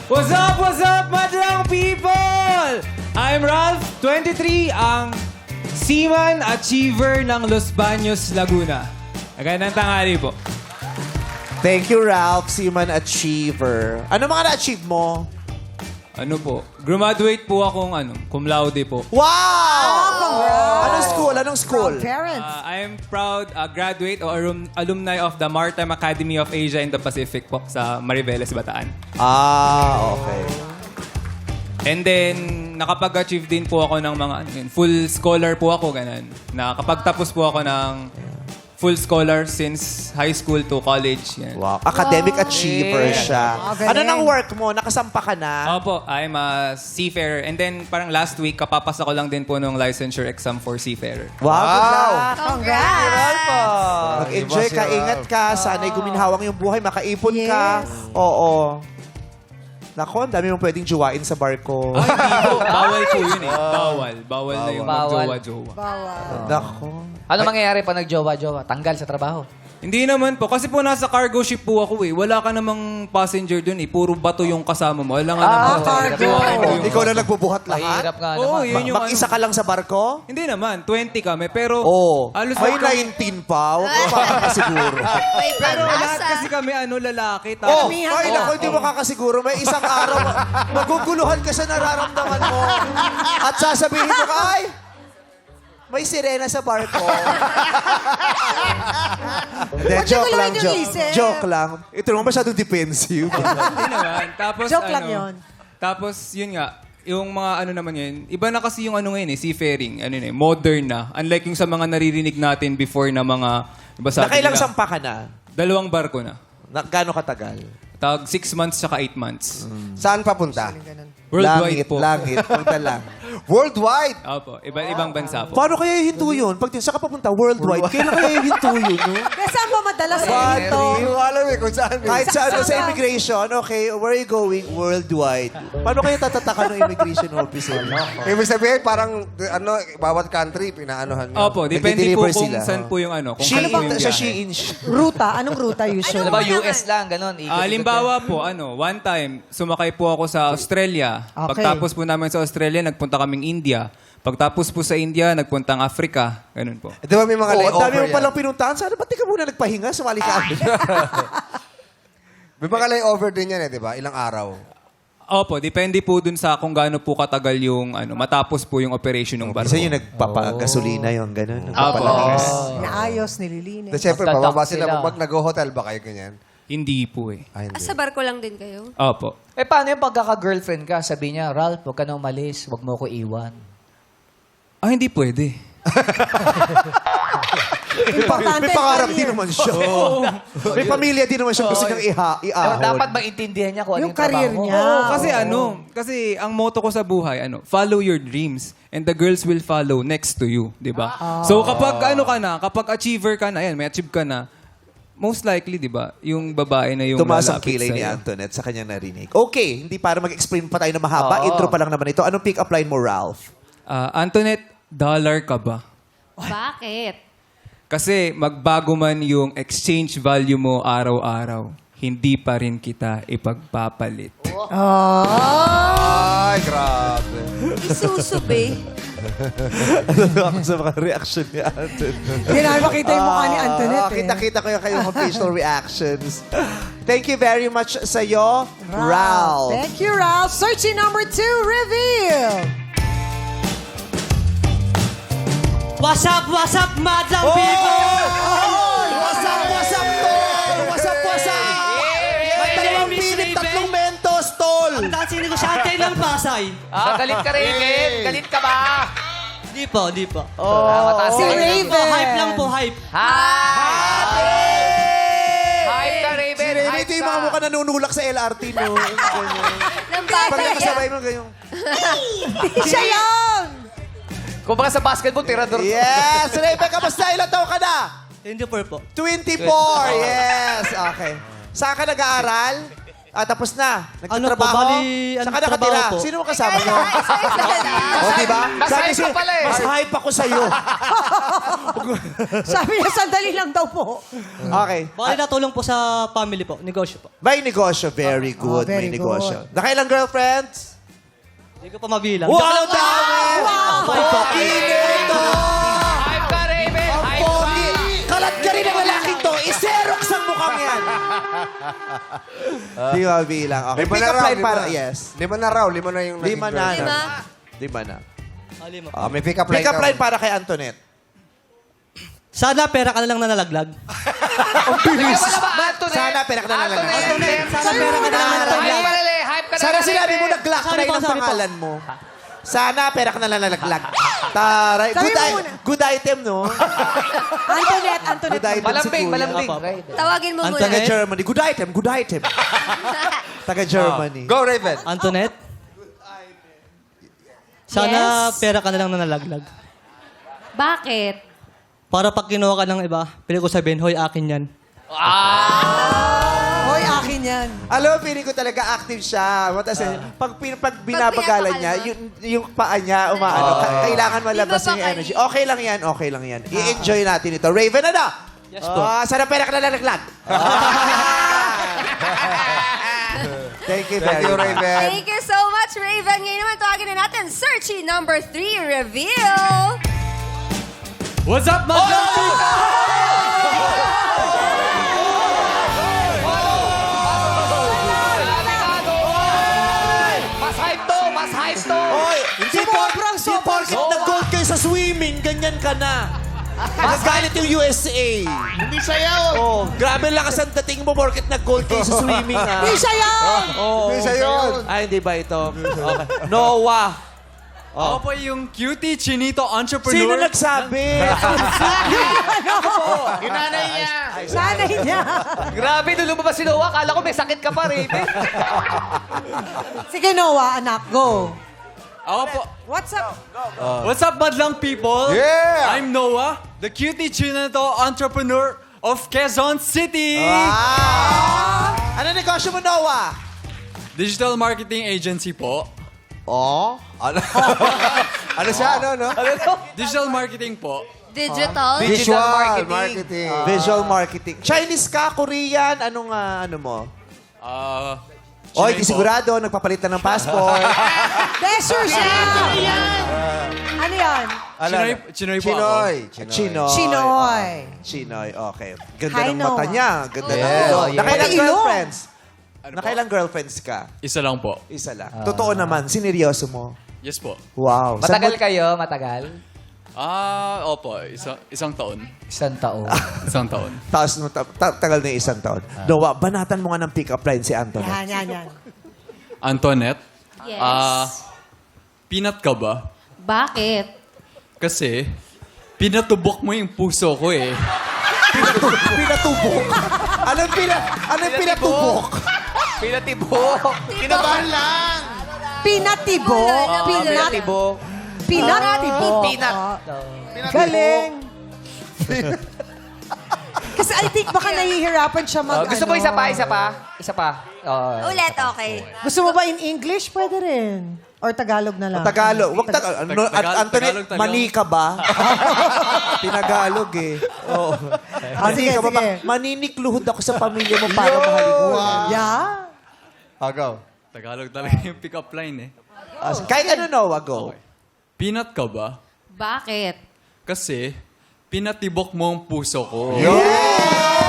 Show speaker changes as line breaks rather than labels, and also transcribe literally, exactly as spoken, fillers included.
What's up, what's up, madlang people? I'm Ralph, twenty-three, ang Seaman Achiever ng Los Baños, Laguna. Magandang tanghali po.
Thank you, Ralph, Seaman Achiever. Ano mga na-achieve mo?
Ano po? Graduate po akong ano, cum laude po.
Wow! Anong school? Anong school?
Parents.
Uh, I am proud uh, graduate o alum- alumni of the Maritime Academy of Asia and the Pacific po sa Mariveles, Bataan.
Ah, okay.
And then, nakapag-achieve din po ako ng mga, ano yun, full scholar po ako, ganun. Nakapagtapos po ako ng full scholar since high school to college. Yan.
Wow. Academic achiever siya.
Ah,
Ano
galing.
nang work mo? Nakasampa ka na?
Opo, I'm a seafarer. And then, parang last week, kapapasa ko lang din po nung licensure exam for seafarer.
Wow, good luck.
Congrats!
Mag-enjoy ka, ingat ka. Sana'y guminhawang yung buhay, makaipon ka. Oo. Nako, ang dami mong pwedeng jowain sa barko.
Ay, hindi po. Bawal po yun eh. Bawal. Bawal na yung
Bawal.
magjowa-jowa.
Nako.
Ano mangyayari pa nag-jowa-jowa? Tanggal sa trabaho.
Hindi naman po. Kasi po nasa cargo ship po ako eh. Wala ka namang passenger dun eh. Puro bato yung kasama mo. Wala nga
Ah,
naman.
cargo.
Jowain mo yung-
Ikaw na nagbubuhat lahat?
Mahirap nga
Oo,
naman.
yun yung
Mag-isa
ano.
ka lang sa barko?
Hindi naman. twenty kami. Pero
Oo.
halos
May
lahat kami-
nineteen pa. Huwag ka makakasiguro.
May
Pero lahat
pag-asa.
kasi kami ano lalaki.
Oh,
Tapos,
ay naku, hindi mo kakasiguro. May isang araw, maguguluhan ka sa nararamdaman mo. At sasabihin mo ka, ay, may sirena sa barko. Hindi, joke lang,
guluhin yung
joke.
isip?
Joke lang. Ito naman masyadong defensive.
hindi naman. Tapos
Joke
ano,
lang yun.
Tapos yun nga, yung mga ano naman yun, iba na kasi yung ano ngayon eh, seafaring, ano yun eh, modern na. Unlike yung sa mga naririnig natin before na mga, diba sabi
Nakailang
nila,
sampa ka na?
dalawang barko na.
Na gaano katagal?
Tag six months tsaka eight months.
Saan papunta?
Worldwide
langit,
po.
langit. Punta lang.
Worldwide!
Opo, iba-ibang bansa po.
Paano kaya hihinto yun? Pag tin- saan ka papunta? Worldwide. Kailan kaya hihinto yun? No?
Kaya saan ba madalas
What?
ito?
Hindi ko alam eh kung saan. eh.
Kahit sa, ano, sa
Saan ka?
immigration, okay, where are you going? Worldwide. Paano kayo tatataka ng immigration officer?
Ibig sabihin, parang, ano, bawat country, pinaanohan nyo.
Opo, depende po
Nagde-deliver
kung
sila.
saan po yung ano. Kung
She
saan po
in,
yung
sa
biyahe.
she in. she-
Ruta? Anong ruta usually?
Ano ba, U S lang, ganon.
Ah, halimbawa po, ano, one time, sumakay po ako sa Australia.
Okay.
Pagtapos po namin sa Australia, nagpunta kaming India. Pagtapos po sa India, nagpuntang Africa. Ganun po.
Di ba may mga
Oh, ang
layover
dami mo
yan?
palang pinuntahan. Sana ba't di ka muna nagpahinga? Sumali ka.
May mga layover din yan eh, di ba? Ilang araw.
Opo, depende po dun sa kung gaano po katagal yung ano, matapos po yung operation ng barko.
Isa yung nagpapagasolina yun, gano'n.
Opo.
Naayos, nililinis.
Tapos syempre,
Magtatak
bababa sila.
sila.
Pag nag-hotel ba kayo ganyan?
Hindi po eh.
Ay,
Ah,
hindi.
sa barko lang din kayo?
Opo.
Eh, paano yung pagkaka-girlfriend ka? Sabi niya, Ralph, huwag ka na umalis. Huwag mo ko iwan.
Ah, hindi pwede.
May, pa-
Importante
may pangarap
career.
din naman siya. May pamilya din naman siya gusto niyang iha
Pero
iahon.
dapat maintindihan niya kung ano
Yung
yung, trabaho
career
mo.
niya.
Oo, kasi ano, kasi ang motto ko sa buhay, ano, follow your dreams and the girls will follow next to you, di ba? So kapag ano ka na, kapag achiever ka na, yan, may achieve ka na, most likely, di ba, yung babae na yung
Tumaas ang
lalapit
kilay ni
sa'yo.
Antoinette sa kanyang narinig. Okay, hindi para mag-explain pa tayo na mahaba.
Oo.
Intro pa lang naman ito. Anong pick-up line mo, Ralph?
Ah, Antoinette, dollar ka ba?
Bakit?
Kasi magbago man yung exchange value mo araw-araw, hindi pa rin kita ipagpapalit.
Ay, grabe.
Isusube.
Ako sa mga reaction ni Antoinette.
Hindi na makita yung mukha ni Antoinette
Ah,
eh.
kita-kita ko yung kayong facial reactions. Thank you very much sa'yo, Ralph.
Thank you, Ralph. Searching number two, reveal.
What's up, what's up, madlang
Oh!
people?
What's up, what's up, tol? What's up, what's up? May dalawang
Miss
pilit,
Raven.
tatlong mentos, tol.
Ang dati negosyante ng Pasay.
Ah, galit ka, Raven. Galit ka ba?
Di po, di po.
Oh, ah, mataas
Si
ka.
Raven.
Po, hype lang po, hype.
Hi! Hype ka, Raven.
Si Rene,
Hype
ito yung mga
ka.
mukha nanunulak sa L R T, no? Ganyan.
Nang
Pag
bata
nakasabay
yan.
mo, ganyan.
Siya yun!
Kung baka sa basketball, tirador.
Yes! Raven, kamusta? Ilan taon ka na?
twenty-four po.
twenty-four! Yes! Okay. Saan ka nag-aaral? Ah, tapos na.
Ano po,
Nagtatrabaho.
bali,
Saan
ano,
ka nakatira?
trabaho po.
Sino ang kasama niyo? O, diba?
Mas
Sabi
hype
siya,
ka pala eh.
Mas hype ako sa'yo.
Sabi niya, sandali lang daw po.
Okay.
Bali natulong po sa family po, negosyo po.
May negosyo. Very good.
Oh, very
May negosyo. Nakailang girlfriends?
Hindi ko pa mabilang.
Wow, ang dami! Ang pogi nito!
Hype ka, Raven!
Ang
Hype ka!
pogi! Kalat ka rin ang lalaking to. Iserox ang mukhang yan. Di ba bilang? Okay.
Lima
Pick
na
up
raw.
line
Lima
para.
na.
Yes.
Lima na raw. Lima na yung
Lima na.
naging
Lima?
Lima na.
Ali mo.
Ah, may pick up line.
Pick up
ka.
line para kay Antoinette.
Sana pera ka na lang na nalaglag.
Wala ba, Antoinette?
Sana pera ka na lang.
Antoinette!
Sana pera ka na lang na
Hype
nalaglag.
ka na, hype ka na.
Sana sinabi mo
Raven.
nag-glock
Sorry
try
po,
ng
sorry po.
pangalan mo. Sana pera ka na lang nalaglag. Taray.
Sabi
Good,
mo
i-
muna.
good item, no?
Antoinette, Antoinette.
Good item si
Malambing,
Kuya.
malambing.
Tawagin mo muna.
Taga
Antoinette?
Germany. Good item, good item. Taga Germany.
Go, Raven.
Antoinette? Sana
Yes?
pera ka na lang na nalaglag.
Bakit?
Para pag kinuha ka ng iba, pwede ko sabihin, hoy, akin yan.
Hoy, akin yan.
Alam mo, feeling ko talaga active siya. Matas, pag, pin- pag binabagalan
pinapakal
niya,
mo.
yung, yung paa niya, umaano, ka- kailangan malabas
Di ba
yung
pa
energy.
kayo?
Okay lang yan, okay lang yan. I-enjoy natin ito. Raven, ano?
Yes po.
Ah, sana pera ka na nalaglag. Thank you
Thank
very
you,
much.
Raven.
Thank you so much, Raven. Ngayon naman tawagin na natin, Searchy number three, reveal.
What's up, madlang people?
Mas hype to! Mas hype to!
Oy, hindi por,
Sobrang,
di
sobrang,
porket nag-gold kayo sa swimming, ganyan ka na. Nagalit yung U S A.
Hindi sayaw!
Oh, grabe lakas ang dating mo porket nag-gold kayo sa swimming, ha?
Di siya yan!
Oh,
Isa yun.
Ay, hindi ba ito? Okay. Noah.
Ako po yung cutie chinito
Sino
entrepreneur.
nagsabi?
Inanay niya!
Sanay niya.
Grabe, nung lumabas si Noah, akala ko may sakit ka pa, Raven.
Sige, Noah, anak, go.
Ako po.
What's up?
What's up, madlang people?
Yeah!
I'm Noah, the cutie chinito entrepreneur of Quezon City.
Wow! Ano negosyo mo, Noah?
Digital marketing agency po.
Oh?
Ano? Ano siya? Ano, no?
Digital marketing po.
Digital.
Visual
marketing.
marketing.
Visual marketing. Chinese ka, Korean, anong ah, ano mo?
Ah...
Oy,
Chinoy
di
po.
sigurado, nagpapalit na ng passport.
De, sure siya. Ano yan?
Chinoy, Chinoy po ako.
Chinoy.
Chinoy.
Chinoy.
Chinoy, okay. Ganda
Hi,
ng mata
Noah.
niya. Ganda ng
Yes.
ilong.
Yes.
Nakailang
Pati ilong.
girlfriends?
Ano po?
Nakailang girlfriends ka?
Isa lang po.
Isa lang. Totoo naman, sineryoso mo.
Yes po.
Wow. Saan
Matagal
mo-
kayo? Matagal?
Ah, opo. Isa, isang taon.
Isang taon.
Isang taon.
Taas mo, ta- ta- tagal na yung isang taon. Noah, banatan mo nga ng pick-up line si Anthony.
Yan, yan, yan.
Antoinette,
Yes.
ah, peanut ka ba?
Bakit?
Kasi, pinatubok mo yung puso ko eh.
Pinatubok. Anong, pina, anong pinatubok?
Pinatibok! Kinabahan lang!
Pinatibok.
Wala na,
Pinat-
Pinatibok.
Pinatibok.
Peanut.
Galing. Kasi I think baka nahihirapan siya mag,
Oh, gusto mo
ano.
isa pa, isa pa? Isa pa.
Oo.
Ulit, okay.
Gusto mo ba in English? Pwede rin. Or Tagalog na lang.
Tagalog. Wag Tagalog. Ano,
Tag- Tagalog,
Anthony,
Tagalog talaga.
mani ka ba? Tinagalog eh. Oo. Mani
Sige,
ka ba?
sige.
Ma- Maninikluhod ako sa pamilya mo para mahalin mo.
Yeah.
Agaw.
Tagalog talaga yung pick-up line eh.
Ah, kahit ano, Noah, go.
Peanut ka ba?
Bakit?
Kasi, pinatibok mo ang puso ko.
Yeah!